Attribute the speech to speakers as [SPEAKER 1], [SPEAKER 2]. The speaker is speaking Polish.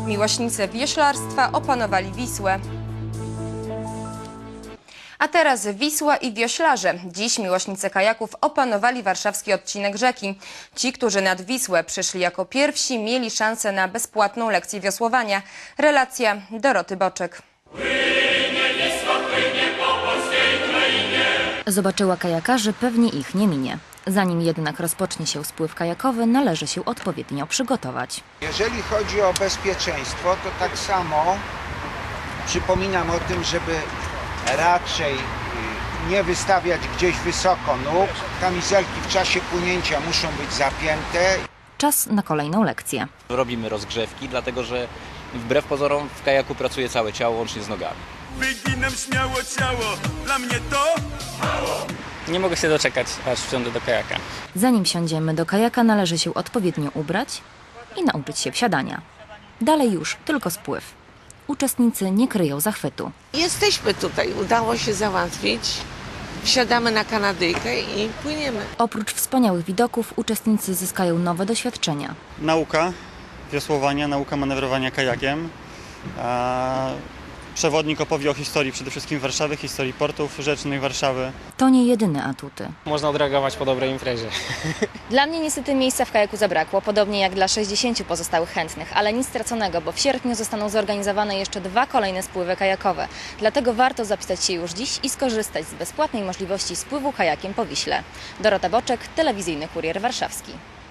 [SPEAKER 1] Miłośnicy wioślarstwa opanowali Wisłę. A teraz Wisła i wioślarze. Dziś miłośnicy kajaków opanowali warszawski odcinek rzeki. Ci, którzy nad Wisłę przyszli jako pierwsi, mieli szansę na bezpłatną lekcję wiosłowania. Relacja Doroty Boczek.
[SPEAKER 2] Zobaczyła kajakarzy, pewnie ich nie minie. Zanim jednak rozpocznie się spływ kajakowy, należy się odpowiednio przygotować.
[SPEAKER 3] Jeżeli chodzi o bezpieczeństwo, to tak samo przypominam o tym, żeby raczej nie wystawiać gdzieś wysoko nóg. Kamizelki w czasie płynięcia muszą być zapięte.
[SPEAKER 2] Czas na kolejną lekcję.
[SPEAKER 4] Robimy rozgrzewki, dlatego że wbrew pozorom w kajaku pracuje całe ciało, łącznie z nogami.
[SPEAKER 5] Wyginam śmiało ciało, dla mnie to mało.
[SPEAKER 6] Nie mogę się doczekać, aż wsiądę do kajaka.
[SPEAKER 2] Zanim wsiądziemy do kajaka, należy się odpowiednio ubrać i nauczyć się wsiadania. Dalej już tylko spływ. Uczestnicy nie kryją zachwytu.
[SPEAKER 7] Jesteśmy tutaj, udało się załatwić. Wsiadamy na kanadyjkę i płyniemy.
[SPEAKER 2] Oprócz wspaniałych widoków, uczestnicy zyskają nowe doświadczenia.
[SPEAKER 8] Nauka wiosłowania, nauka manewrowania kajakiem. Przewodnik opowie o historii przede wszystkim Warszawy, historii portów rzecznych Warszawy.
[SPEAKER 2] To nie jedyne atuty.
[SPEAKER 6] Można odreagować po dobrej imprezie.
[SPEAKER 9] Dla mnie niestety miejsca w kajaku zabrakło, podobnie jak dla 60 pozostałych chętnych, ale nic straconego, bo w sierpniu zostaną zorganizowane jeszcze 2 kolejne spływy kajakowe. Dlatego warto zapisać się już dziś i skorzystać z bezpłatnej możliwości spływu kajakiem po Wiśle. Dorota Boczek, Telewizyjny Kurier Warszawski.